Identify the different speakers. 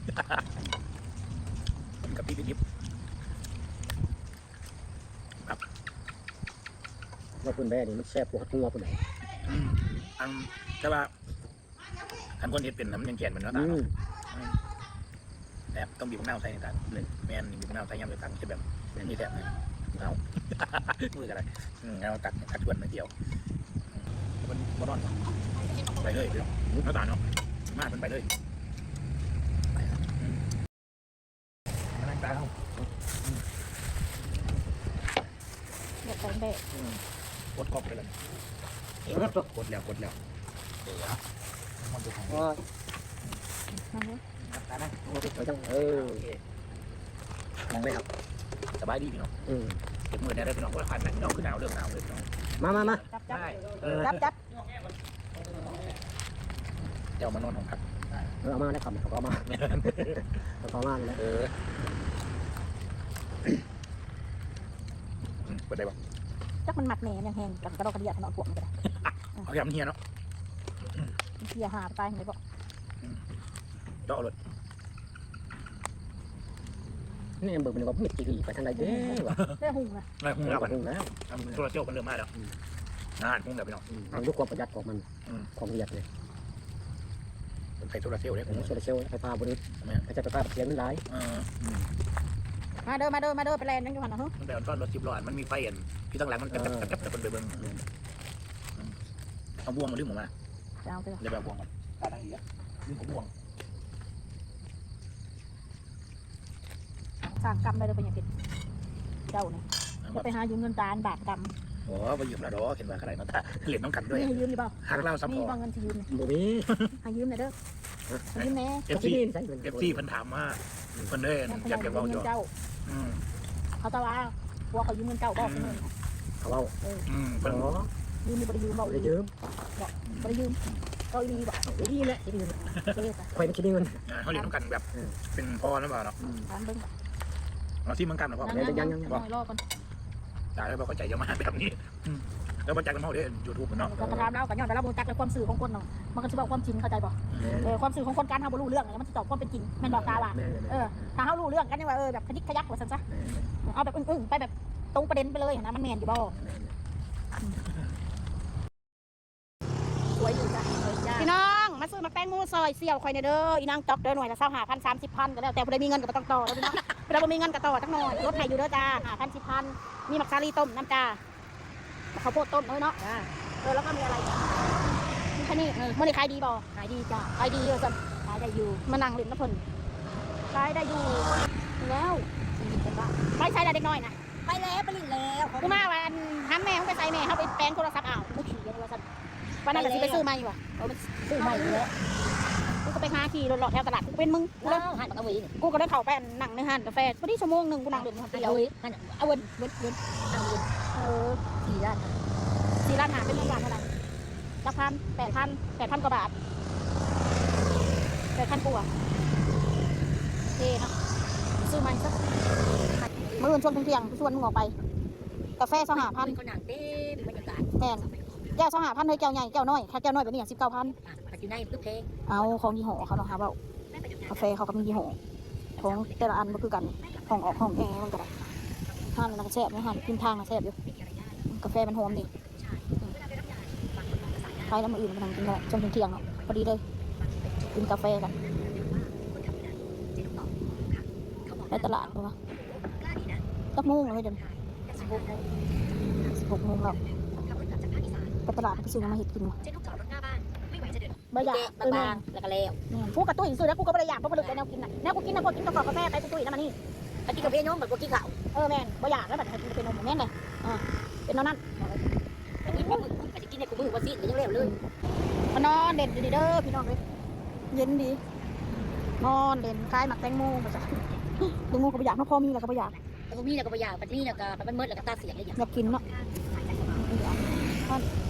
Speaker 1: กับพี่ดิบครับ
Speaker 2: ว่าคุณแม่นี่มันแซ่บกว่าตัวคุณไหน
Speaker 1: อันแต่ว่าอันคนเห็ดเป็นน้ำยังแก่นเหมือนน้ำตาลแต่ต้องบีบมะนาวใส่ในตาเลยแม่นบีบมะนาวใส่ยำเลยตังจะแบบนี่แหละเอามืออะไรเอาตัดชวนมาเกี่ยวมันบดอนไปเลยเดี๋ยวน้ำตาลเนาะมากมันไปเลยน้ำตาลเขา
Speaker 3: เด็กเด็ก
Speaker 1: กดกบไปเลยกดแล้วมันดูของตานะมองได้ครับสบายดีพี่น้องเก็บมือได้พี่น้องก็ขันพี่น้องคือหนาวเรื่องหนาวเลยพี่น้อง
Speaker 2: มา
Speaker 3: จับ
Speaker 1: เดี๋ยวมานอนของพัก
Speaker 2: เอามาได้คำเขาเอามาเขามาเลย
Speaker 1: เปิดได้ปะ
Speaker 3: จักมันหมักแหน่ยังแห้งกับกระดกกระเดียดนอนพวกมันก็ได้
Speaker 1: เอายำเฮียเนาะ
Speaker 3: เฮียหาไปไหนบอก
Speaker 1: เจาะเลย
Speaker 2: นี่เบิกมันก็มิดตีไปทางใดเด้อ
Speaker 3: ได้หุ่งนะ
Speaker 1: ได้หุ่งแล้วกันตัวเจ้ามันเริ่มมาแล้วนานหุ่งเดี๋ยวไปเนาะ
Speaker 2: มันด้วยความประหยัดของมันความประหยัดเลย
Speaker 1: ใส่โซลาเซลล์เนี่ย
Speaker 2: โซลาเซลล์ไฟฟ้าบริสุทธิ์ไม่ใช่ไฟฟ้าเสียงมันไหล
Speaker 3: มาเด้อไปแลนด์นั่งอยู่หันนะฮะ
Speaker 1: มันแต่ตอนรถ10 ล้อมันมีไฟอันที่ตั้งหลังมันจับแต่คนไปเบิ้งเอาบ่วงมาดึงออกมาเดี๋ยวแบบบ่วงตาดังอีกดึงของบ่วง
Speaker 3: สั่งกำไปเลยเป็นอย่างผิดเจ้าเนี่ยจะไปหายืมเงินตาลบาทกำ
Speaker 1: โอ้ไปยืมแล้วดอกเห็นว่าอะไรเนาะตาเหรียญต้องกันด้วย
Speaker 3: ให้ยืมหรือเปล่า
Speaker 1: หักเล่าซับพอ
Speaker 3: มีเงินที่ยืม
Speaker 2: บ่มี
Speaker 3: ให้ยืมหน่อยเด้อยืมแน่
Speaker 1: เอฟซีเพิ่นถามว่าเพิ่นได้อยากจะเอาอยู่
Speaker 3: เขาตะว่าว่าเขายืมเงินเจ้าบอก
Speaker 2: เขาเอา
Speaker 1: เพิ่น
Speaker 3: ยืมไม่ได้ยืมบอก
Speaker 2: ยืม
Speaker 3: ไม่ได้ยืมก็ดีบอก
Speaker 2: ดีแหละดีเลยใครไม่คิดเงิน
Speaker 1: เขาเรียนต้องกันแบบเป็นพอหรือเปล่าเนาะเราที่มันกันหรือเปล่า
Speaker 3: ยังรอก่อน
Speaker 1: จ่ายแล้วเข้าใจจะมาแบบนี้แล้วมันจักกันเท่าเด้ยูทูบเนาะ
Speaker 3: กระทำเรากับย้อนแต่เราบูจักในความสื่อของคนเนาะมันก็จะบอกความจริงเข้าใจป่ะความสื่อของคนการเขาบรรลุเรื่องแล้วมันจะตอบความเป็นจริงแม่บอกตาว่าถ้าเขารู้เรื่องกันเนี่ยว่าแบบขยิกขยักว่าสันซะเอาแบบอึ้งไปแบบตรงประเด็นไปเลยนะมันแมนอยู่บ่สวยอยู่จ้ะพี่น้องมาซื้อมาแป้งมูซอยเสี่ยวคอยเด้ออีนางจอกเด้อหน่วยละ25,000 30,000ก็แล้วแต่พอได้มีเงินก็ต้องต่อแล้วพี่น้องเราไม่มีเงินก็ต่อทั้งหน่อยรถไถอยู่เด้อจ้า5,000 10,000มีมักซาลีต้มน้ำจ้าข้าวโพดต้มเนาะแล้วก็มีอะไรมีแค่นี้มันได้ขายดีบ่ขายดีจ้าขายดีเยอะจังขายได้อยู่มานั่งเล่นน้ำเพลินขายได้อยู่แล้วไปใช้ได้เด็กน้อยนะ
Speaker 4: ไปแล้วไปลินแล้ว
Speaker 3: กูมาวันทำแม่เขาไปใส่แม่เขาไปแปลงโทรศัพท์กูขี่กันว่าสันวันนั้นเราไปซื้อใหม่ว่ะ
Speaker 4: ซื้อใหม่แล้ว
Speaker 3: กูก็ไปหาขี่รถหลอดแถวตลาดกูเป็นมึง
Speaker 4: กูเลยหันมาเอาวี
Speaker 3: กูก็ได้เข้าไปนั่งในห้านกาแฟพอดีชั่วโมงนึงกูนั่งเล่นคนเดียว
Speaker 4: เอาเว้น
Speaker 3: 4 ล้านหาเป็นเงินบาทเท่าไหร่ละ8,000 กว่าบาท8,000 กว่าเท่เนาะซื้อใหม่สักมื้อช่วงเที่ยงชวนมึงออกไปกาแฟ25,000
Speaker 4: เขาหนังเต้บรรยากาศ
Speaker 3: แพงแก้ว25,000เลยแก้วใหญ่แก้วน้อยแค่แก้วน้อยแบบนี้19,000
Speaker 4: อยู่ในคือเพลง
Speaker 3: เอาของยี่ห้อเขาเนาะครับว่ากาแฟเขาก็มียี่ห้อของแต่ละอันก็คือกันห้องออกห้องแอร์มันก็ได้ห้านมันก็แซ่บนะห้านขึ้นทางนะแซ่บอยู่กาแฟมันหอมดีใครแล้วมาอื่นมานั่งกินได้จนถึงเที่ยงเนาะพอดีเลยกินกาแฟกันในตลาดป่ะสักโมงเลยเดี๋ยว16 โมงแล้วไปตลาดไปซื้อมาเห็ดกินวะบะหยา
Speaker 4: บางแล้วก็แล้ว
Speaker 3: พวกกระตุ้ยซื้อแล้วกูก็บะหยาเพราะผลิตแนวกินน่ะแนวกูกินนะพวกกินกาแฟไปตุ้ยนั่นมานี่
Speaker 4: ไปกินกาแฟย้อมแบบพวกกินข้าว
Speaker 3: แม่นบะหยาแล้วแบบเป็นนมแม่นเลยเป็นนั่น
Speaker 4: ไปกินมือไปกินในกูมือว่าซีดยังเร็วเลย
Speaker 3: มานอนเด่นดีเด้อพี่น้องเลยเย็นดีนอนเด่นคล้ายหมักแตงโมมาจ้ะแตงโมกับบะหยาพ่อมีแล้วกับบะหยา
Speaker 4: แล้วก็มีแล้วก็บะหยาปัดนี่แล้วก็ปัดมันมืดแล้วก็ตาเสียเลย
Speaker 3: อยากกินเนาะ